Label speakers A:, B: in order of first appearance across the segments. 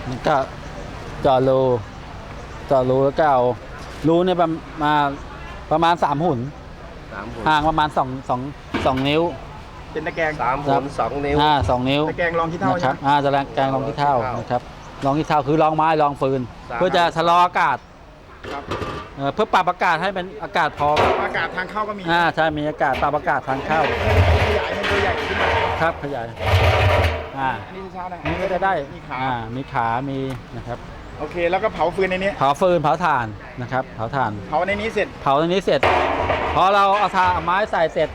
A: มันก็เจาะรูแล้วก็เอารูเนี่ยประมาณ3 หุ่นห่างประมาณ2 นิ้ว
B: เป็นตะแกรง
C: 3 หุ่น 2 นิ้ว
A: 2 นิ้ว
B: ตะแกรงรองขี้เถ้า
A: นะค
B: ใช่
A: รับ
B: ไหม
A: ตะแกรงรองขี้เถ้านะครับรองขี้เถ้าคือรองไม้รองฟืนเพื่อจะชะลออากาศ
B: ครับ
A: เพื่อปรับอากาศให้เป็นอากาศพอ
B: อากาศทางเข้าก็มี
A: ใช่มีอากาศปรับอากาศทางเข้า
B: ขยายให้ตัวใหญ่ขึ้นมา
A: ครับขยาย
B: อันนี้เช้านะ
A: นี่ก็จะได้
B: มีขา
A: มีขามีนะครับ
B: โอเคแล้วก็เผาฟืนในนี้
A: เผาฟืนเผาถ่านนะครับเผาถ่าน
B: เผาในนี้เสร็จ
A: เผาตรงนี้เสร็จพอเราเอาไม้ใส่เสร็จ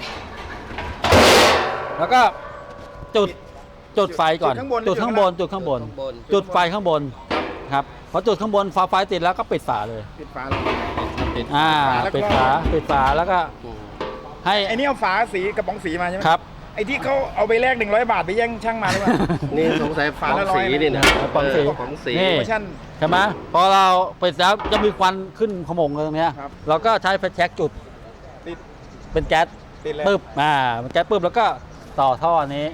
A: แล้วก็จุดไฟก่อนจุดข้างบนจุดไฟข้างบนครับพอจุดข้างบนไฟติดแล้วก็ปิดฝาเลย
B: ปิดฝาเลย
A: ปิดฝาแล้วก็ให้
B: ไอ้นี่เอาฝาสีกระป๋องสีมาใช่ไหม
A: ครับ
B: ไอ้ที่เขาเอาไปแลก100 บาทไปแย่งช่างมาหรือเปล่า
C: นี่สงสัยฝาสีนี่นะ
A: ของสี
C: ของสี
A: นี่
B: โปรโมชั่น
A: ใช่ไหมพอเราปิดแล้วจะมีควันขึ้นขโมงตรงเนี้ย
B: ครับ
A: เราก็ใช้ไฟแช็กจุด
B: ติด
A: เป็นแก๊ส
B: ติดเลย
A: ปึ๊บเป็นแก๊สปึ๊บแล้วก็ต่อท่อนี้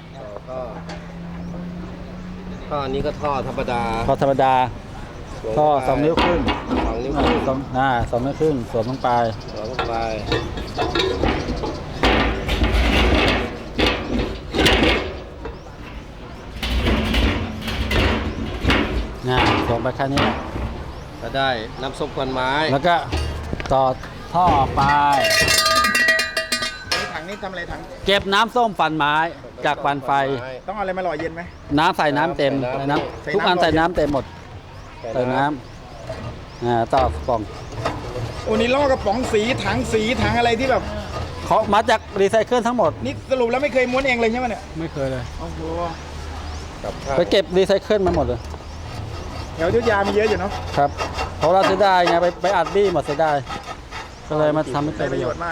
C: ท่อนี้ก็ท่อธรรมดา
A: ท่อธรรมดาท่อ2 นิ้วครึ่ง
C: 2 นิ้วครึ่ง
A: 2 นิ้วครึ่งสวมลงไป
C: สวมลงไป
A: สวมไปแค่นี้
C: ก็ได้น้ำซุปควันไม้
A: แล้วก็ต่อท่อไป
B: ถังนี้ทำอะไรถัง
A: เก็บน้ำส้มฟันไม้จากฟันไฟ
B: ต้องเอาอะไรมาหล่อเย็นไหม
A: น้ำใส่น้ำเต็ม
B: ใส่น้ำ
A: ทุกอันใส่น้ำเต็มหมดใส่น้ำต่อกล่อง
B: โอ้นี่ล่อกระป๋องสีถังอะไรที่แบบ
A: เขามาจากรีไซเคิลทั้งหมด
B: นี่สรุปแล้วไม่เคยม้วนเองเลยใช่ไหมเนี่ย
A: ไม่เคยเลย
B: โอ้โห
C: กับข้าว
A: ไปเก็บรีไซเคิลมาหมดเลย
B: แถวอยุธยามีเยอะอยู่เนาะ
A: ครับเพราะเราเสียดายไงไปอัดบี้หมดเสียดายก็เลยมาทำให้
B: ได้
A: เกิด
B: ป
A: ประ ระ
B: โย
A: โย
B: ช
A: ชน์
B: น์มาก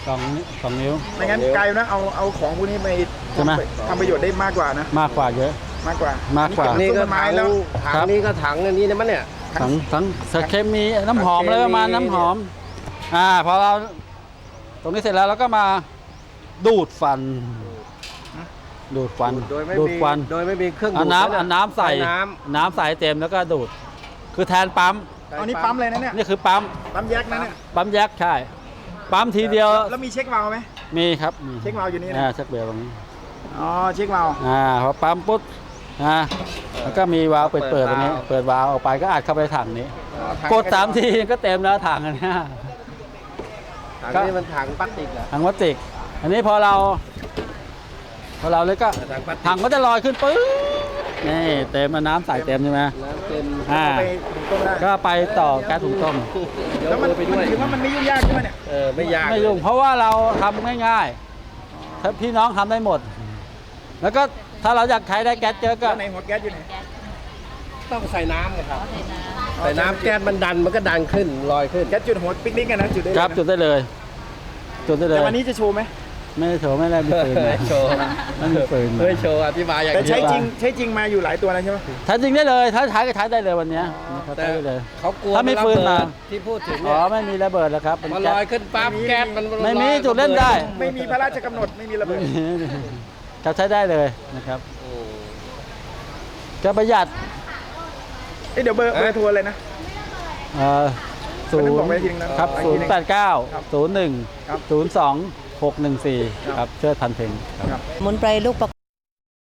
A: 2 นิ้ว
B: ไม่งั้นไกลนะเอาของพวกนี้ไป
A: ใช่ไหม
B: ทำประโยชน์ได้มากกว่านะ
A: มากกว่าเยอะ
B: มากกว่า
A: มากกว่า
B: นี่
C: นี่
B: ก็
C: ก็
B: ไม้
C: ถัง
B: แล้ว
C: ถังนี้ก็ถังอันนี้นะมั้งเนี่ย
A: ทั้งสารเคมีน้ำหอมอะไรประมาณน้ำหอมพอเราตรงนี้เสร็จแล้วเราก็มาดูดฟัน
C: โดยไม่
A: ดูด
C: มี
A: ควัน
C: โดยไม่มีเครื่องดู
A: เอา
C: ด
A: น้ำใส่ น้ำใส่เต็มแล้วก็ดูด คือแทนปั๊ม
B: เอานี่ปั๊มเลยนะเนี่ย
A: นี่คือปั๊ม
B: ปั๊มแยกนะเนี่ย
A: ปั๊มแยกใช่ปั๊มทีเดียว
B: แล้วมีเช็ควาล์วไหม
A: มีครับมี
B: เช็ควาล์วอยู่นี่นะ
A: เช็คเบลตรงนี้
B: อ๋อเช็ควาล์ว
A: พอปั๊มปุ๊บแล้วก็มีวาล์วเปิดตรงนี้เปิดวาล์วออกไปก็อัดเข้าไปถังนี้
B: อ๋อถัง
A: กด3 ทีก็เต็มแล้วถังอันเนี้ย
C: ถังนี้มันถังพลาสติกเหรอ
A: ถังพลาสติกอันนี้พอเราเลยก็
C: ถังพลาสติก
A: ถังก็จะลอยขึ้นปึ๊บนี่เต็มน้ำใส่เต็มใช่ไหม
C: น้ำเต็ม
B: เอาไปถุงต้มได้
A: ก็ไปต่อแก๊สถุงต้ม
B: แล้วมัน
C: ไปด้วย
B: ถือว่ามันไม่ยุ่งยากใช่ไหมเนี่ย
C: ไม่ยาก
A: ไม่ยุ่งเพราะว่าเราทำง่ายๆถ้าพี่น้องทำได้หมด แล้วก็ถ้าเราอยากใช้ได้แก๊สเยอะก็
B: แล้วในหัวแก๊สอยู่ไหน
C: ต้องใส่น้ำนะครับใส่น้ำแก๊สมันดันมันก็ดันขึ้นลอยขึ้น
B: แก๊สจุดหัวปิกนิกกันนะจุดได้เลย
A: ครับ
B: นะ
A: จุดได้เลยจุดได้เลย
B: แต่วันนี้จะโชว์ไหม
A: ไม่ได้โชว์ไม่ได้มีปืนนะ
C: โชว์
A: ไม่มีปืน
C: เฮ้ยโชว์อธิบายอย่าง
B: แต่
C: นี้
B: ใช้จริงมาอยู่หลายตัวแล้วใช่ไหม
A: ใช้จริงได้เลยถ้าใช้ก็ใช้ได้เลยวันเนี้ยเขา
C: แต่
A: ใช้ได้เลย
C: เขากลัว
A: ถ้ามีปืนมา
C: ที่พูดถึง
A: อ๋
C: เนี่
A: อย ไม่มีระเบิดแล้วครับเป็น
C: มัน
A: แก๊
C: ล
A: ส
C: อยขึ้นปั๊บแก๊สมัน
A: ไม่มี
C: ลอย
A: จุดเล่นได้
B: ไม่มีพระราชกำหนดไม่มีระ
A: ไม่
B: เบิด
A: มีครับใช้ได้เลยนะครับ
C: อืม
A: ก็ประหยัด
B: เดี๋ยวเบอร์โทรเลยนะ
A: ศูน
B: วันนั้น
A: ย์
B: บอกไว้ทีนึงนะครับ
A: 089
B: ครับ
A: 01
B: ครับ
A: 02 614ครับเชิดพันเพ็งครับ
D: สมุนไพรลูกประ